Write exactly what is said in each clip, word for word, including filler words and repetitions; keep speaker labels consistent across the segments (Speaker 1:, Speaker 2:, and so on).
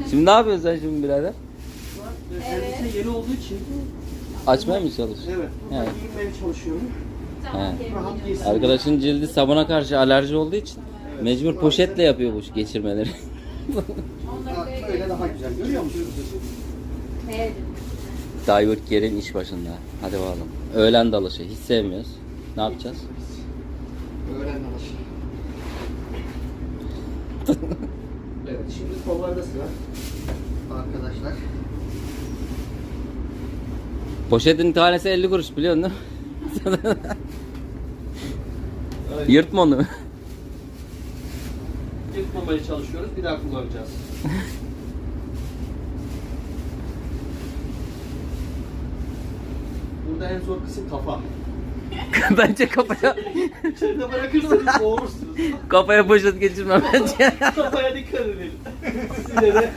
Speaker 1: Şimdi ne yapıyorsun sen şimdi birader?
Speaker 2: Evet. Yeni olduğu için.
Speaker 1: Açmaya mı çalışıyorsun?
Speaker 2: Evet. Burada
Speaker 1: Evet.
Speaker 2: giyinmeye çalışıyorum.
Speaker 1: He.
Speaker 2: Rahat giysin.
Speaker 1: Arkadaşın cildi sabuna karşı alerji olduğu için
Speaker 2: Evet.
Speaker 1: mecbur poşetle yapıyor bu geçirmeleri.
Speaker 2: Ha, böyle daha güzel. Görüyor musunuz?
Speaker 3: Evet.
Speaker 1: Divert Gerin iş başında. Hadi bakalım. Öğlen dalışı. Hiç sevmiyoruz. Ne yapacağız?
Speaker 2: Öğren alış. Evet, şimdi kollarda sıra. Arkadaşlar.
Speaker 1: Poşetin tanesi elli kuruş biliyorsun değil mi? Yırtma onu.
Speaker 2: Yırtmamaya çalışıyoruz. Bir daha kullanacağız. Burada en zor kısım kafa.
Speaker 1: Bence kafaya
Speaker 2: İçeride bırakırsanız boğulursunuz.
Speaker 1: kafaya poşet geçirme bence.
Speaker 2: Kafaya dikkat edin. Size de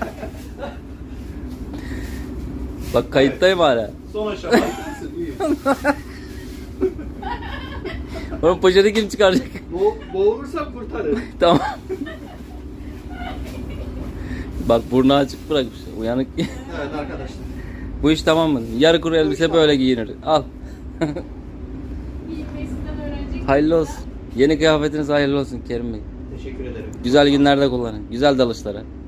Speaker 1: Bak kayıttayım hala.
Speaker 2: son aşama. İyi.
Speaker 1: Oğlum poşeti kim çıkaracak?
Speaker 2: Bo boğulursam kurtarın.
Speaker 1: Tamam. Bak burnu açık bırakmış. Uyanık.
Speaker 2: Evet arkadaşlar.
Speaker 1: Bu iş tamam mı? Yarı kuru elbise böyle giyinir. Al.
Speaker 3: Giyinmesinden öğrenecek.
Speaker 1: Hayırlı olsun. Yeni kıyafetiniz hayırlı olsun Kerim Bey.
Speaker 2: Teşekkür ederim.
Speaker 1: Güzel günlerde kullanın. Güzel dalışlara.